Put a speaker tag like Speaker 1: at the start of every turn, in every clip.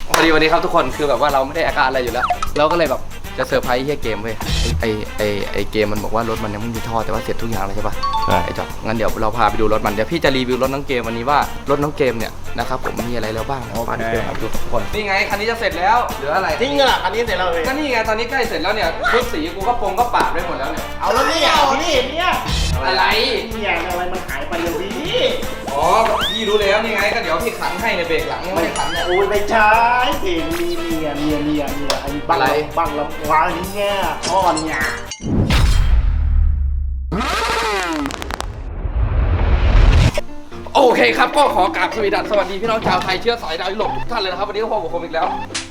Speaker 1: พอดีวันนี้ครับทุกคนคือแบบว่าเราไม่ได้อาการอะไรอยู่แล้วเราก็เลยแบบจะเซอร์ไพรส์เกมเว้ยไอเกมมันบอกว่ารถมันยังไม่มีท่อแต่ว่าเสร็จทุกอย่างแล้วใช่ปะไอจอบงั้นเดี๋ยวเราพาไปดูรถมันเดี๋ยวพี่จะรีวิวรถน้องเกมวันนี้ว่ารถน้องเกมเนี่ยนะครับผมมีอะไรแล้วบ้างมาดูกันครับทุกคนนี่ไงคันนี้จะเสร็จแล้วเหลืออะไร
Speaker 2: จริงเหรอคันนี้เสร็จแล้วเลย
Speaker 1: ก็นี่ไงตอนนี้ใกล้เสร็จแล้วเนี่ยชุดสีกูก็ก็ปาดไปหมดแล้วเนี่ย
Speaker 2: เอาแล้วนี่พี่เนี่ย
Speaker 1: อะไร
Speaker 2: เนี่ยอะไรมันหายไปเลยพี่
Speaker 1: อ๋อพี่รู้แล้วนี่ไงก็เดี๋ยวพี่ขันให้ในเบรกหลังยังไม่ได้ขันเนี่ย
Speaker 2: โอ้ยไม่ใช่เพลงมีเนี่ยไอ้บังลำวางนี่เนี่ยพ่อเนี่ย
Speaker 1: โอเคครับก็ขอกราบสวัสดีพี่น้องชาวไทยเชื้อสายดาวยุโรปทุกท่านเลยนะครับวันนี้ก็พบกับผมอีกแล้ว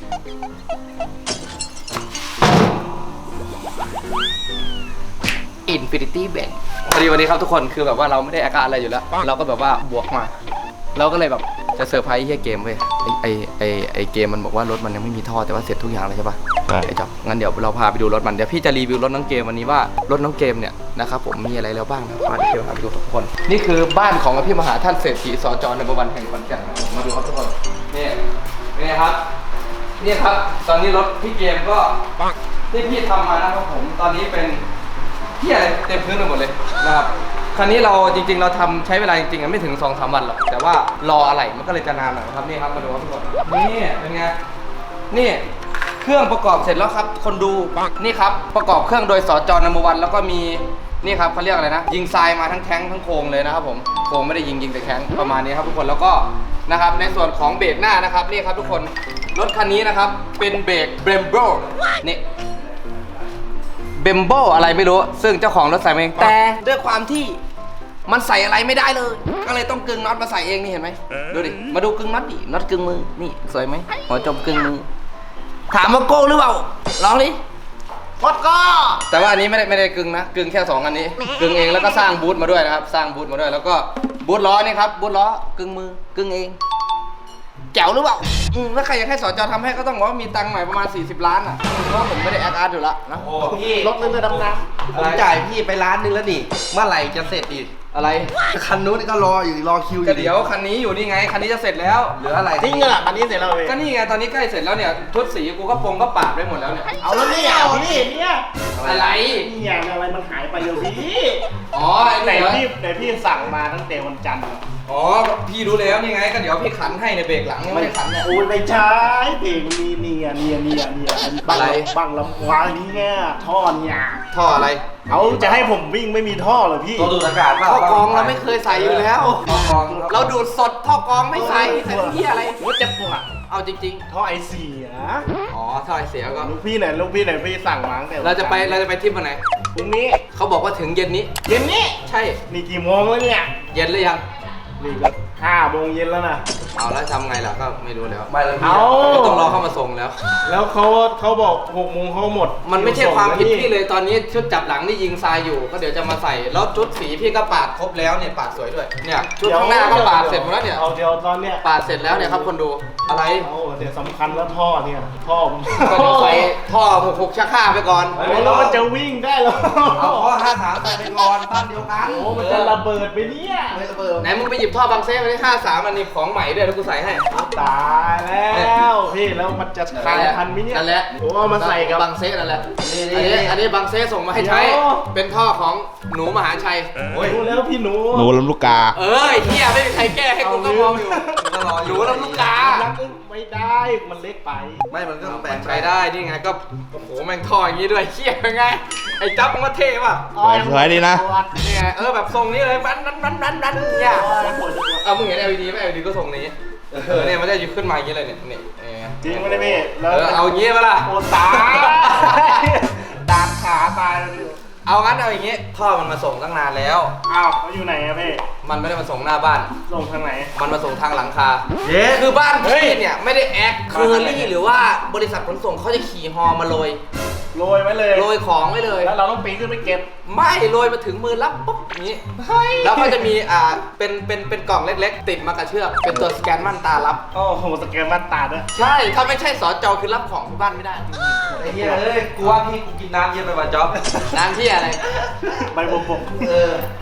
Speaker 1: Infinity Bank พอดีวันนี้ครับทุกคนคือแบบว่าเราไม่ได้อาการอะไรอยู่แล้วเราก็แบบว่าบวกมาเราก็เลยแบบจะเซอร์ไพรส์เกมเว้ยไอเกมมันบอกว่ารถมันยังไม่มีท่อแต่ว่าเสร็จทุกอย่างเลยใช่ปะไอจอบงั้นเดี๋ยวเราพาไปดูรถมันเดี๋ยวพี่จะรีวิวรถน้องเกมวันนี้ว่ารถน้องเกมเนี่ยนะครับผมมีอะไรแล้วบ้างนะมาเดี๋ยวพาไปดูทุกคนนี่คือบ้านของพี่มหาท่านเศรษฐีสจในบวันแห่งขอนแก่นมาดูครับทุกคนนี่ครับนี่ครับตอนนี้รถพี่เกมก็ที่พี่ทำมานะครับผมตอนนี้เป็นที่อะไรเต็มพื้นไปหมดเลยนะครับคันนี้เราจริงๆเราทำใช้เวลาจริงๆไม่ถึง 2-3 วันหรอกแต่ว่ารออะไรมันก็เลยจะนานหน่อยครับนี่ครับมาดูครับทุกคนนี่เป็นไงนี่เครื่องประกอบเสร็จแล้วครับคนดูนี่ครับประกอบเครื่องโดยสจนวันแล้วก็มีนี่ครับเขาเรียกอะไรนะยิงทรายมาทั้งแข้งทั้งโครงเลยนะครับผมโครงไม่ได้ยิงแต่แข้งประมาณนี้ครับทุกคนแล้วก็นะครับในส่วนของเบรกหน้านะครับนี่ครับทุกคนรถคันนี้นะครับเป็นเบรกเบรมโบนี่เบมโบอะไรไม่รู้ซึ่งเจ้าของรถใส่มาเองแต่ด้วยความที่มันใส่อะไรไม่ได้เลยก็เลยต้องกึ่งน็อตมาใส่เองนี่เห็นไหมดูดิมาดูกึ่งน็อตดิน็อตกึ่งมือนี่สวยไหมหัวจมกึ่งมือถามว่าโก้หรือเปล่าลองดิ
Speaker 2: กดก็
Speaker 1: แต่ว่าอันนี้ไม่ได้กึ่งนะกึ่งแค่2อันนี้กึ่งเองแล้วก็สร้างบูทมาด้วยนะครับสร้างบูทมาด้วยแล้วก็บูทล้อนี่ครับบูทล้อกึ่งมือกึ่งเองแจ๋วหรือเปล่าถ้าใครอยากให้สจทำให้ก็ต้องบอกว่ามีตังค์ใหม่ประมาณ40 ล้านอ่ะเพราะผมไม่ได้แอคอาร์ตอยู่ละนะ
Speaker 2: โอ้พี่รถนึงจะดำน้
Speaker 3: ำผมจ่ายพี่ไปล้านนึงแล้วนี่เมื่อไหร่จะเสร็จอีก
Speaker 1: อะไร
Speaker 3: คันนู้นก็รอคิวอยู่
Speaker 1: เดี๋ยวคันนี้อยู่นี่ไงคันนี้จะเสร็จแล้วเหลืออะไร
Speaker 2: จริงเหรอคันนี้เสร็จแล้วเลย
Speaker 1: ก็นี่ไงตอนนี้ใกล้เสร็จแล้วเนี่ยชุดสีกูก็ก็ปาดไปหมดแล้วเนี่ย
Speaker 2: เอาแล้วนี่พี่เนี่ย
Speaker 1: อะไร
Speaker 2: เนี่ยอะไรมันหายไปเลยพี่
Speaker 1: อ๋อ
Speaker 2: ไหนพี่สั่งมาตั้งแต่วันจันทร์
Speaker 1: อ๋อพี่รู้แล้วนี่ไงก็เดี๋ยวพี่ขันให้ในเบรกหลังยังไม่ได้ขันเนี่ย
Speaker 2: โอ้ยไม่ใช่เพลงมีเนี่ยบังลำวางนี่เนี่ยท่อเนี่ย
Speaker 1: ท่ออะไร
Speaker 2: เอาจะให้ผมวิ่งไม่มีท่อเหรอพี่
Speaker 3: ตัวดูดอากาศ
Speaker 1: ท่อกรองเราไม่เคยใส่อยู่แล้วท่อกรองเราดูดสดท่อกรองไม่ใส่ที่อะไร
Speaker 2: ว่าจะปวด
Speaker 1: เอาจริง
Speaker 2: ๆท่อไอเสีย
Speaker 1: อ๋อท่อไอเสียก็
Speaker 2: ลูกพี่ไหนพี่สั่งมาตั้งแต่
Speaker 1: เราจะไปทริปวันไหน
Speaker 2: พรุ่งนี้
Speaker 1: เขาบอกว่าถึงเย็นนี้ใช่
Speaker 2: นี่กี่โมงแล้วเนี่ย
Speaker 1: เย็นหรือยัง
Speaker 2: นี่ก็5 โมงเย็นแล้วนะ
Speaker 1: เอาแล้วทำไงล่ะก็ไม่รู้แล้ว
Speaker 3: ไม่แล้ว
Speaker 1: ก็ต้องรอเข้ามาส่ง
Speaker 2: แล้วเขาบอก6 โมงเขาหมด
Speaker 1: มันไม่ใช่ความผิดพี่เลยตอนนี้ชุดจับหลังนี่ยิงทรายอยู่ก็เดี๋ยวจะมาใส่แล้วชุดสีพี่ก็ปาดครบแล้วเนี่ยปาดสวยด้วยเนี่ยชุดข้างหน้าก็ปาดเสร็จหมดแล้วเนี่ย
Speaker 2: เอาเดี๋ยวตอนเนี้ย
Speaker 1: ปาดเสร็จแล้วเนี่ยครับคนดูอะไร
Speaker 2: เดี๋ยวสำคัญแล้วท่อเนี่ยท่อ
Speaker 1: ก็เดี๋ยวใส่ท่อ6ชักข้าไปก่อน
Speaker 2: แล้วมันจะวิ่งได้หรอ
Speaker 3: เอาท่อ53ใส่ไปก่อนบ้านเดียวกัน
Speaker 2: โอ้มันจะระเบิดไปเนี่ย
Speaker 3: ไม่ระเบิด
Speaker 1: ไหนมึงไปหยิบท่อบางเซ่มาที่53อันนี้ของใหม่ด้วยแล้วกูใส่ให้
Speaker 2: ตายแล้วพี่แล้วมันจะทันไหมเนี่ย
Speaker 1: นั่นแหละ
Speaker 2: โอ้มาใส่กับบ
Speaker 1: างเซ่นั่นแหละอันนี้บางเซ่ส่งมาให้ใช้เป็นท่อของหนูมหาชัย
Speaker 2: รู้แล้วพี่หนู
Speaker 3: ลำลูกกา
Speaker 1: เฮียไม่มีใครแก้ให้กูก็มองอยู่หนูลำลูกกา
Speaker 2: ไม่ได้มันเล็กไป
Speaker 3: ไม่มันก็แปลง
Speaker 1: ใช้ได้นี่ไงก็โอ้โหแม่งท่ออย่างนี้ด้วยเฮียเป็นไงไอ้จับมันก็เท่ป่ะ
Speaker 3: สวยดีนะ
Speaker 1: นี่ไงแบบทรงนี้เลยบันเนี่ยมึงเห็น LED ไหม LED ก็ทรงนี้เนี่ยมันจะขึ้นมาอย่างนี้เลยเนี่ย
Speaker 2: จริงไม่ได้พี่
Speaker 1: เอาอย่างนี้ป่ะล่ะ
Speaker 2: โอ้ตายดาดขาตายแล้ว
Speaker 1: เอางั้นเอาอย่างงี้ท่อมันมาส่งตั้งนานแล้ว
Speaker 2: อ้าวเขาอยู่ไหนอะพี่
Speaker 1: มันไม่ได้มาส่งหน้าบ้าน
Speaker 2: ส่งทางไหน
Speaker 1: มันมาส่งทางหลังคาคือบ้านพี่เนี่ยไม่ได้แอคเคอรี่หรือว่าบริษัทขนส่งเขาจะขี่ฮอมาโรย
Speaker 2: ไว้เลย
Speaker 1: โรยของไว้เลย
Speaker 2: แล้วเราต้องปีนขึ้นไปเก็บ
Speaker 1: ไม่โรยมาถึงมือรับปุ๊บนี้แล้วก็จะมีเป็นกล่องเล็กๆติดมากระเชือกเป็นตัวสแกนม่านตารับ
Speaker 2: โอ้โหสแกนม่านตาด้วย
Speaker 1: ใช่ถ้าไม่ใช่สจคือรับของที่บ้านไม่ได้
Speaker 3: ไอ้เหี้ยกูว่าพี่กูกินน้ำเยอะไปว่ะจ๊อบ
Speaker 1: น้ำที่อะไร
Speaker 2: ใบบัวบก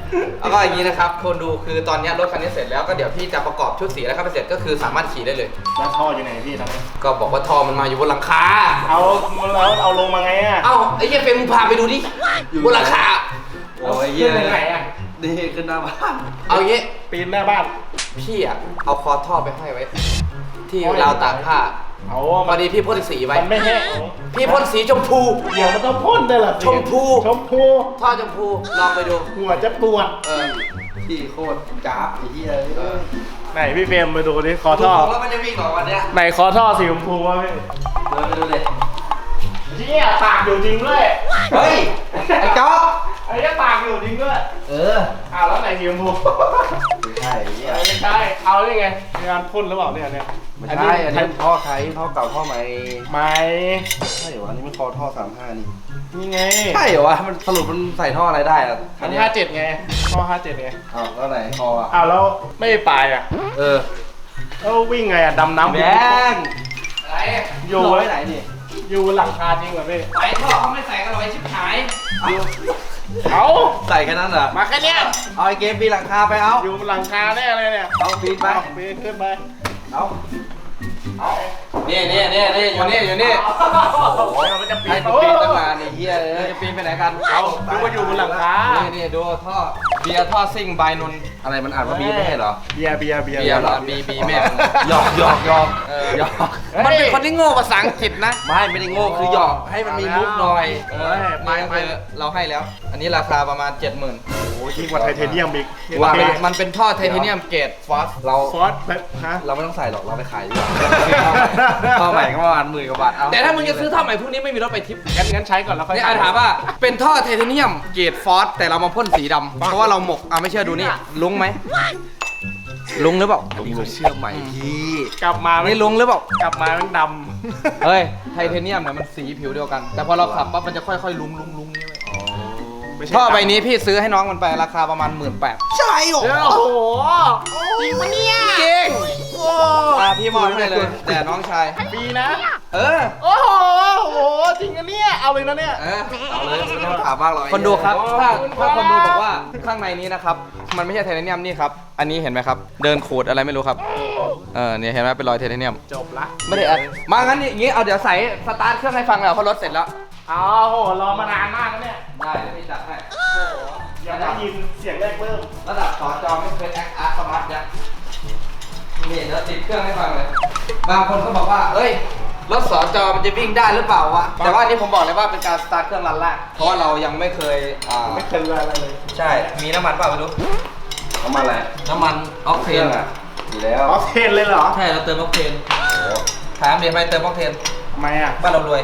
Speaker 1: แล้วก็อย่างนี้นะครับคนดูคือตอนนี้รถคันนี้เสร็จแล้วก็เดี๋ยวพี่จะประกอบชุดสีแล้วครับเสร็จก็คือสามารถขี่ได้เลย
Speaker 2: แล้วท่ออยู่ไหนพี่ตอนนี้
Speaker 1: ก็บอกว่าท่อมันมาอยู่บนหลังคา
Speaker 2: เอาแล้วเอาลงมาไงอ่ะ
Speaker 1: เอ้าไอ้เหี้ยเฟรมมึงพาไปดูดิบนหลังคา
Speaker 3: โอ้ยเยี่ย
Speaker 2: ขึ้นยังไงอ่ะ
Speaker 3: นี่ขึ้นหน้าบ้าน
Speaker 1: เอาอย่างงี้
Speaker 2: ปีนหน้าบ้าน
Speaker 1: พี่อะเอาคอท่อไปห้อยไว้ ที่ราวตากผ้า
Speaker 2: เอา
Speaker 1: พอดีพี่พ่นสีไว้
Speaker 2: มันไม่แห้ง
Speaker 1: พี่พ่นสีชมพู
Speaker 2: เดี๋ยวมันต้องพ่นได้เหรอ
Speaker 1: ชมพู
Speaker 2: ชมพู
Speaker 1: ท่อชมพูลองไปดู
Speaker 2: หัวจะปวด
Speaker 1: เออ
Speaker 3: พี่โคตรจ้าบไอ้เหี้ย
Speaker 2: ไหนพี่เฟรมมาดูดิคอ
Speaker 3: ท่
Speaker 2: ท่
Speaker 3: อ
Speaker 2: อ
Speaker 3: แล้วมันจะวิ่งหรอวันเนี้ย
Speaker 2: ไหนคอท่อสีชมพูวะพี่
Speaker 3: เดินไปดูเลย
Speaker 2: เชี่ยตากอยู่จริงด้วย
Speaker 3: เฮ้ยไอ้จ๊อบ
Speaker 2: ไอ้เนี่ยตากอยู่จริงด้วย
Speaker 3: เออ
Speaker 2: อ้าวแล้วไหนสีชมพู
Speaker 3: ไม่ใช่ไอ้เหี้ย
Speaker 2: ไม่ใช่เอาได้ไงมีการพ่นหรือเปล่าเนี่ย
Speaker 3: ไม่ใช่อันนี้ท่อใครท่อเก่าท่อใหม่
Speaker 2: ไม่
Speaker 3: ใช่เหรออันนี้มันคอท่อ35นี่
Speaker 2: นี่ไง
Speaker 3: ใช่เหรอวะมันสรุปมันใส่ท่ออะไรได้อะ
Speaker 2: อันนี้57ไงท่อ57ไง
Speaker 3: อ้าวแล้วไหนคออ่ะ
Speaker 2: อ้าวแล้วไม่ปลายอ่ะ
Speaker 3: เออ
Speaker 2: แล้ววิ่งไงอ่ะดำน้ำ
Speaker 3: แบง
Speaker 1: อะไร
Speaker 2: อยู่
Speaker 3: ไว้
Speaker 2: ไว้
Speaker 3: ไหนนี่
Speaker 2: อยู่บนหลังคาจริงเหรอพี่
Speaker 1: ไอ้ท่อเขาไม่ใส่กันหรอกไอ้ชิบหาย
Speaker 2: เอา
Speaker 3: ใส่แค่นั้นเหรอ
Speaker 2: มาแค่เนี้ย
Speaker 3: เอาไอ้เกมปีนหลังคาไปเอา
Speaker 2: อยู่บนหลังคาแน่เลยเนี่ย
Speaker 3: เอาปีนไป
Speaker 2: เอาปีนขึ้นไป
Speaker 3: เอา
Speaker 1: นี่อยู่นี่
Speaker 2: โอ้ยมันจะปี
Speaker 3: ให้
Speaker 2: น
Speaker 3: กูปีนตั้งนานไอ้เหี้ยเอ้ย
Speaker 1: จะปีนไปไหนกัน
Speaker 2: เอาดูว่าอยู่บนหลังคา
Speaker 1: นี่ดูท่อเบียร์ท่อซิ่งบายนนท์
Speaker 3: อะไรมันอ่านว่าบีไม่ใช่เหรอ
Speaker 2: เบียร์
Speaker 1: เบียร์เหรอบีแม่มึง
Speaker 3: หยอกหยอกหยอก
Speaker 1: เออ
Speaker 3: หยอก
Speaker 1: มันเป็นคนที่โง่ภาษาอังกฤษนะ
Speaker 3: ไม่ได้โง่คือหยอกให้มันมีมุกหน่อย
Speaker 1: เออไปเราให้แล้ว อันนี้ราคาประมาณ 70,000
Speaker 2: โอ้ยยิ่งกว่าไทเทเนียมอีก
Speaker 1: ว่ามันเป็นท่อไทเทเนียมเกรดฟอส
Speaker 3: เรา
Speaker 2: ฟอสแบบฮะ
Speaker 3: เราไม่ต้องใส่หรอกเราไปขายดีกว่าท่อใหม่ก็ประมาณ10,000 กว่าบาทเอา
Speaker 1: แต่ถ้ามึงจะซื้อท่อใหม่พวกนี้ไม่มีรถไปทิป
Speaker 2: งั้นใช้ก่อนแล้วค่อย
Speaker 1: นี่อาถามว่าเป็นท่อไทเทเนียมเกรดฟอสแต่เรามาพ่นสีดำเพราะว่าเราหมกไม่เชื่อดูนี่ลุงไหมลุงหรือเปล่า
Speaker 3: อันนี้เขาเชื่อใหม่พี่
Speaker 2: กลับมา
Speaker 1: นี่ลุงหรือเปล่า
Speaker 2: กลับมามันด
Speaker 1: เฮ้ยไทเทเนียมเนี่ยมันสีผิวเดียวกัน แต่พอเราขับปั๊บมันจะค่อยๆลุงนี่เว้ย
Speaker 2: ำไม่ใช่
Speaker 1: ท่อใบนี้พี่ซื้อให้น้องมันไปราคาประมาณ 18,000
Speaker 3: ใช่หรอ
Speaker 2: เดี๋ยวโอ้โหจริงปะเนี่ย
Speaker 1: จริง
Speaker 2: โอ้
Speaker 1: พี่มอบให้เลย แต่น้องชาย
Speaker 2: ปีนะ
Speaker 1: เออ
Speaker 2: โอ้โหจริงอะเนี่ยเอาเลยนะเนี่ย
Speaker 1: เออ
Speaker 3: เอาเลยไม่ต้องถามมากหรอก
Speaker 1: คนดูครับ ถ้า
Speaker 2: ขอบคุณ
Speaker 1: ถ้าคนดู
Speaker 2: ครับ
Speaker 1: บอกว่าข้างในนี้นะครับ มันไม่ใช่ไทเทเนียมนี่ครับ อันนี้เห็นไหมครับ เดินขูดอะไรไม่รู้ครับ เนี่ยเห็นไหมเป็นรอยไทเทเนียม
Speaker 2: จบละ
Speaker 1: ไม่ได้อัดมางั้นอย่างงี้ เอาเดี๋ยวใส่สตาร์ทเครื่องให้ฟังแล้วเพราะรถเสร็จแล้ว
Speaker 2: เอาโหรอมานานมากแล้วเนี่ย
Speaker 1: ได้เดี๋ยวพี่จัดให้
Speaker 2: อยากได้ยินเสียงแรกเริ่ม
Speaker 1: ระดับสอจอไม่เคยแอคอาร์ตสมาร์ทยักษ์นี่เดี๋ยวติดเครื่องให้ฟังเลย บางคนก็บอกว่า เอ้ย รถสอจอมันจะวิ่งได้หรือเปล่าวะ แต่ว่าอันนี้ผมบอกเลยว่าเป็นการสตาร์ทเครื่องรันแรก เพราะว่าเรายังไม่เคย
Speaker 2: ไม่เคยอะไรเลย
Speaker 1: ใช่ มีน้ำมันเปล่าไม่รู้
Speaker 3: เอามาแหละ
Speaker 1: น้ำมันออกเทน
Speaker 3: อ่ะดีแล้ว
Speaker 2: ออฟเทนเลยเหรอ
Speaker 1: ใช่ เราเติมออกเทนถามเดี๋ยวไปเติมออกเทน
Speaker 2: ทำไมอ่ะ
Speaker 1: บ้านเรารวย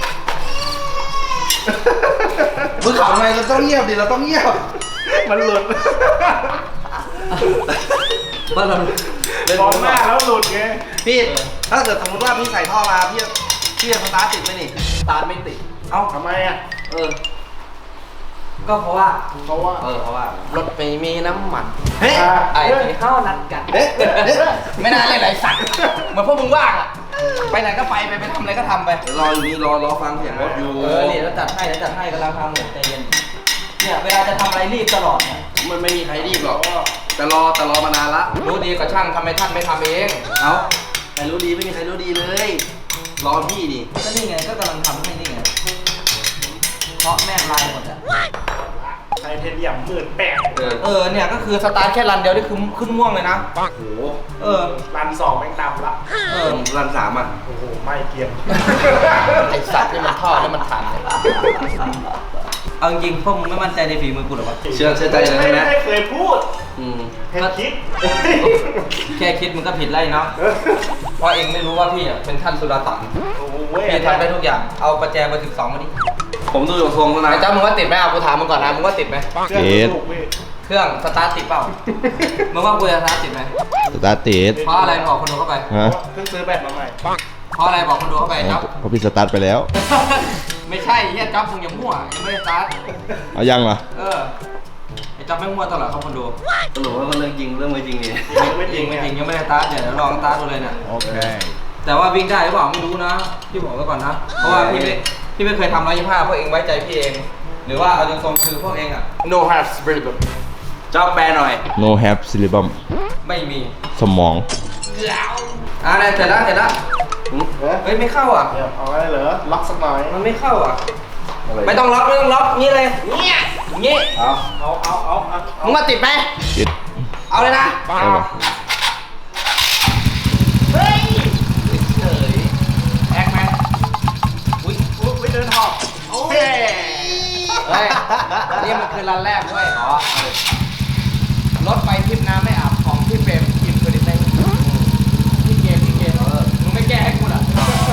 Speaker 3: มึงขำทำไมเราต้องเงียบดิเราต้องเงียบ
Speaker 2: มันหลุด
Speaker 1: บ้านเรา
Speaker 2: มองหน้าแล้วหลุดไง
Speaker 3: พี่ถ้าเกิดสมมติว่าพี่ใส่ท่อมาพี่จะสตาร์ทติดไหมนี่
Speaker 1: สตาร์ทไม่ติด
Speaker 3: เอ้า
Speaker 2: ทำไมอ่ะ
Speaker 3: เออ
Speaker 1: ก็เพราะว่า
Speaker 2: เพราะว่า
Speaker 3: เพราะว่าร
Speaker 1: ถไม่มีน้ำมัน
Speaker 3: เฮ้ย
Speaker 1: ไอ้ที่เข้านัดกัน
Speaker 3: เอ๊ะเอ๊ะเอ๊ะ
Speaker 1: ไม่น่าเล่นไรสัตว์เหมือนพวกมึงว่างอะไปไหนก็ไปทำอะไรก็ทำไป
Speaker 3: เดี๋ยวรออยู่นี่รอฟังเสียงรถอยู่
Speaker 1: นี่แล้วจัดให้กำลังทำหมูใจเย็น เนี่ยเวลาจะทำอะไรรีบตลอดเนี่ย
Speaker 3: มันไม่มีใครรีบหรอกแต่รอมานานละ
Speaker 1: รู้ดีกว่าช่างทำไมท่านไม่ทำเอง
Speaker 3: เอ้าใครรู้ดีไม่มีใครรู้ดีเลย รอพี่ดิ
Speaker 1: ก็นี่ไงก็กำลังทำให้นี่ไงเพราะแม่งลายหมดอะ
Speaker 2: ไทเทเนียม18,000
Speaker 1: เนี่ยก็คือสตาร์ทแค่รันเดียวนี่คือขึ้นม่วงเลยนะ
Speaker 3: โอ้โห
Speaker 2: รัน2แม่งดำละ
Speaker 3: รัน3อ่ะ
Speaker 2: โอ้โหไม่เกรียม
Speaker 1: ไอสัตว์นี่มันท่อนี่มันทันเลยเอาจริงพวกมึงไม่มั่นใจในฝีมือกูหรอวะ
Speaker 3: เชื่อใจเลยใช่ไหม
Speaker 2: ไม่เคยพูด
Speaker 3: อืม
Speaker 2: แค่คิด
Speaker 1: แค่คิดมึงก็ผิดแล้วเนาะเพราะเองไม่รู้ว่าพี่อะเป็นท่านสุลต่าน
Speaker 2: โอ้โห
Speaker 1: พี่ทำได้ทุกอย่างเอาประแจเบอร์12มาดิ
Speaker 3: ผมดูอยู่ทรงแล้วนะ
Speaker 1: ไอ้เจ้ามึงว่าติดไหมเอากูถามมึงก่อนนะมึงว่าติดไหม
Speaker 2: เชื่อถูกพี่
Speaker 1: เครื่องสตาร์ทติดเปล่า มึงว่ากูจะสตาร์ทติดไหม
Speaker 4: สตาร์ทติด
Speaker 1: เพราะอะไรบอกคนดูเข้าไป
Speaker 4: ฮะ
Speaker 2: เพิ่งซื้อแบตมาใหม่
Speaker 1: เพราะอะไรบอกคนดูเข้าไปจ๊อบ
Speaker 4: เพราะพี่สตาร์ทไปแล้ว
Speaker 1: ไม่ใช่เฮียจ๊อบมึงอย่ามั่วยังไม่ได้สตาร์ท
Speaker 4: เอายังเหรอ
Speaker 1: ไอ้จ๊อบไม่มั่วตลอดครับคนดู
Speaker 3: สรุปว่าเรื่องจริงเรื่องไม่จริงนี่
Speaker 2: ไม่จริง
Speaker 1: ไม่จริงยังไม่ได้สตาร์ทเดี๋ยวลองสตาร์ทดูเลยเนี่ย
Speaker 4: โอเค
Speaker 1: แต่ว่าวิ่งได้หรือเปล่าไม่รู้นะพี่บอกไว้ก่อนนะ เพราะว่าพี่ไม่เคยทำ125พวกเองไว้ใจพี่เอง หรือว่าเอาตรงๆคือพวกเองอะ
Speaker 2: no have spirit
Speaker 1: เจ้าแปลหน่อย
Speaker 4: no have cerebrum
Speaker 1: ไม่มี
Speaker 4: สมอง
Speaker 1: เนี่ยเสร็จแล้วเฮ้ยไม่เข้าอ่ะ
Speaker 2: เดี๋ยวเอาไว้เหรอล็อกสักหน่อย
Speaker 1: มันไม่เข้าอ่ะไม่ต้องล็อกงี้เลยงี้
Speaker 2: เอา
Speaker 1: มึงมาติดไหม
Speaker 4: ติด
Speaker 1: เอาเลยนะ
Speaker 4: ได้ปะ
Speaker 1: เฮ้ยเฉยแอกไหม
Speaker 2: อุ้ยเดินหอบโอ้ย
Speaker 1: เฮ้ยนี่มันคือรันแรกเว้ยรถไปทริปน้ำไม่อาบของพี่เฟรมกินเคยได้ไหมพี่เกมมึงไม่แก้ให้กูเหรอ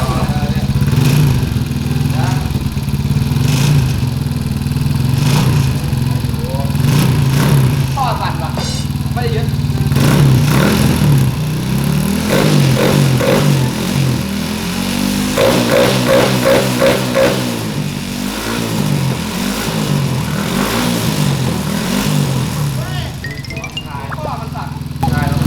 Speaker 1: พ่อสั่นว่ะไม่ได้ยึดพ่อมันสั่นได้แล้ว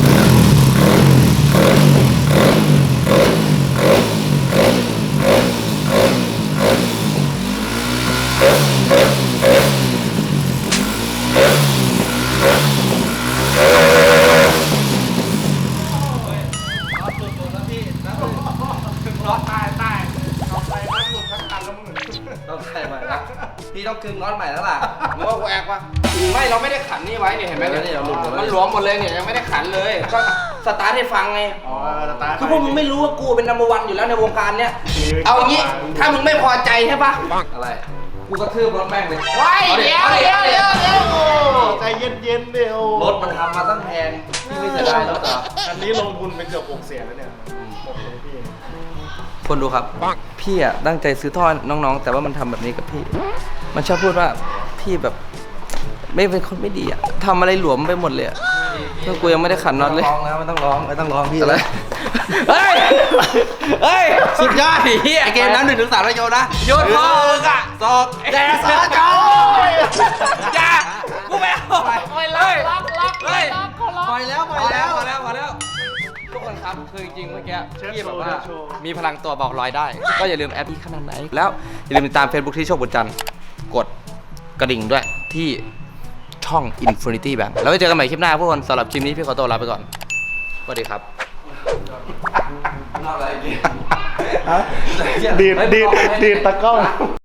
Speaker 1: ต้องใส่ใหม่แล้วพี่ต้องกึงน็อตใหม่แล้วล่ะมึงว่ากูแอกปะไม่เราไม่ได้ขันนี่ไว้เนี่ยเห็นไหมเนี่ยมันหลวมหมดเลยเนี่ยยังไม่ได้ขันเลยก็สตาร์ทให้ฟังไง
Speaker 2: อ๋อสตาร์ท
Speaker 1: คือพวกมึงไม่รู้ว่ากูเป็นนัมเบอร์วันอยู่แล้วในวงการเนี้ยเอางี้ถ้ามึงไม่พอใจใช่ปะอะไรกูกระทืบรถแม่งเลยเดี๋ยว
Speaker 2: ใจเย็นๆเดี๋ยว
Speaker 1: รถมันทำมาตั้งแพงพี่ไม่เสียดายรถเหรอ
Speaker 2: อันนี้ลงทุนไปเกือบ6 แสนแล้วเนี่ยหมดเลยพี่
Speaker 1: คนดูครับพี่อ่ะตั้งใจซื้อท่อน้องๆแต่ว่ามันทำแบบนี้กับพี่ มันชอบพูดว่าพี่แบบไม่เป็นคนไม่ดีอ่ะทำอะไรหลวมไปหมดเลยอ่ะก็กูยังไม่ได้ขันน็อตเลย
Speaker 3: ไม่ต้องร้องพี่
Speaker 1: อะไรเฮ้ยสุดยอดเฮีย
Speaker 3: ไอเกมนั้น1 ถึง 3แล้วโยนนะ
Speaker 1: โยนพ่อมึงอ่ะ
Speaker 3: ศอก
Speaker 1: แต่สาจอยอย่ากูไม่เอาปล่อยเลยเฮ้ย
Speaker 3: ปล่อยแล้ว
Speaker 1: พอแล้วทุกคนครับคือจริงๆเมื่อกี้พี่แบบว่ามีพลังตัวบอกลอยได้ ก็อย่าลืมแอปพี่ขนาดไหนแล้วอย่าลืมติดตาม Facebook ที่โชคบุญจันทร์กดกระดิ่งด้วยที่ช่อง Infinity Bank แล้วไว้เจอกันใหม่คลิปหน้าพวกคนสำหรับคลิปนี้พี่ขอตัวลาไปก่อนสวัสดีครับ
Speaker 2: ดีดตะกล้อง